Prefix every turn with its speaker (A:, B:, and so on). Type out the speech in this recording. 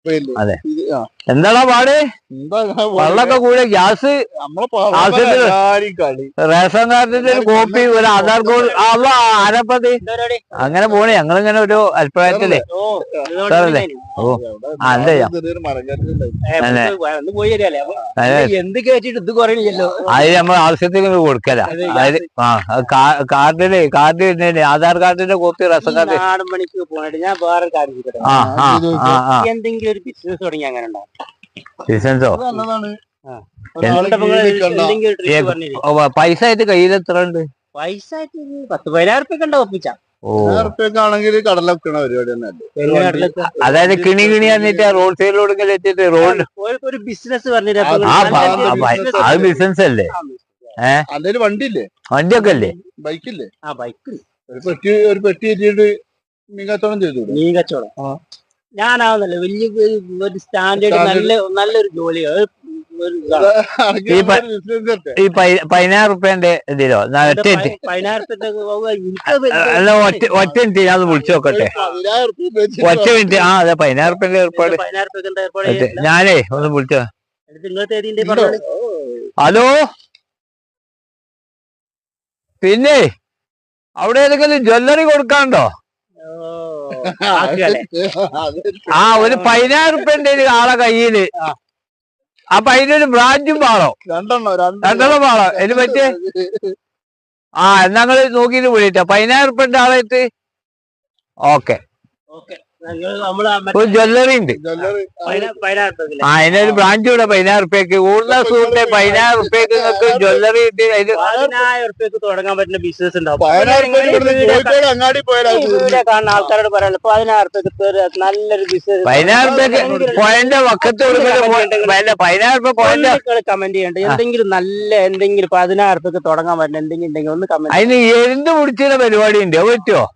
A: അതെ. എന്താടാ പാട്? വെള്ളമൊക്കെ കൂടെ ഗ്യാസ്, റേഷൻ കാർഡിന്റെ ഒരു കോപ്പി, ഒരു ആധാർ കാർഡ്, ആരപ്പത് അങ്ങനെ പോണേ. ഞങ്ങളിങ്ങനെ ഒരു അഭിപ്രായത്തിലേ സാറല്ലേ. ഓ അതെ, അത് നമ്മൾ ആവശ്യത്തിന് കൊടുക്കല. അതായത് കാർഡ് ആധാർ കാർഡിന്റെ കോപ്പി, റേഷൻ കാർഡ്.
B: എന്തെങ്കിലും ഒരു ബിസിനസ് തുടങ്ങി അങ്ങനെ ഉണ്ടോ?
A: ബിസിനസോ? പൈസ ആയിട്ട് കയ്യിൽ എത്ര ഉണ്ട്?
B: പൈസ 10-15,000 റുപ്യ കണ്ട ഒപ്പിച്ച.
A: അതായത് കിണി പറഞ്ഞിട്ട് റോഡ് സൈഡിലോട് എത്തിയിട്ട് റോഡ്
B: ഒരു ബിസിനസ് പറഞ്ഞിട്ട്
A: അത് ബിസിനസ് അല്ലേ? വണ്ടിയൊക്കെ അല്ലേ?
B: ബൈക്കില്ലേ? ആ ബൈക്ക്
C: ഒരു പെട്ടി എത്തിയിട്ട് മീൻ കച്ചവടം ചെയ്തു.
B: മീൻ കച്ചവടം ഞാനാവുന്നല്ല വലിയ ഒരു സ്റ്റാൻഡേർഡ് നല്ലൊരു ജോലി.
A: ഈ 15,000 റുപ്യന്റെ ഇതിലോ? അല്ല, ഒറ്റ മിനിറ്റ് ഞാൻ വിളിച്ചു നോക്കട്ടെ. ഒറ്റ മിനിറ്റ്. ആ അതെ, 15,000 റുപ്യന്റെ ഏർപ്പാട്. ഞാനേ ഒന്ന് വിളിച്ചോ. ഹലോ, പിന്നെ അവിടെ ഏതെങ്കിലും ജ്വല്ലറി കൊടുക്കാണ്ടോ? ആ, ഒരു 15,000 റുപ്യന്റെ ആളെ കയ്യില്. അപ്പൊ അതിനൊരു ബ്രാഞ്ചും പാളോ? രണ്ടെണ്ണം പാളോ? അതിന് പറ്റിയ ഞങ്ങള് നോക്കിട്ട് വിളിട്ടോ. 15,000 റുപ്യന്റെ ആളായിട്ട്. ഓക്കെ. ഒരു ജ്വല്ലറി ഉണ്ട്. അതിനൊരു ബ്രാഞ്ച് കൂടെ 15,000 റുപ്യക്ക്. കൂടുതൽ സുഹൃത്തെ 15,000 റുപ്യക്ക് നിങ്ങൾക്ക് ജ്വല്ലറി കിട്ടി.
B: 15,000 റുപ്യക്ക് തുടങ്ങാൻ പറ്റുന്ന ബിസിനസ് ഉണ്ടാവും. കാണുന്ന ആൾക്കാരോട് പറയാനുള്ളത് 15,000 റുപ്യക്ക് നല്ലൊരു ബിസിനസ്.
A: 15,000 റുപ്യക്ക് പോയിന്റ് വക്കത്ത് 15,000 റുപ്യ പോയിന്റ്
B: കമന്റ് ചെയ്യണ്ട. എന്തെങ്കിലും നല്ല എന്തെങ്കിലും 15,000 റുപ്യക്ക് തുടങ്ങാൻ പറ്റുന്ന എന്തെങ്കിലും ഉണ്ടെങ്കിൽ ഒന്ന് കമന്റ്.
A: അതിന് എന്ത് പിടിച്ചിരുന്ന പരിപാടി ഉണ്ട്, പറ്റുമോ?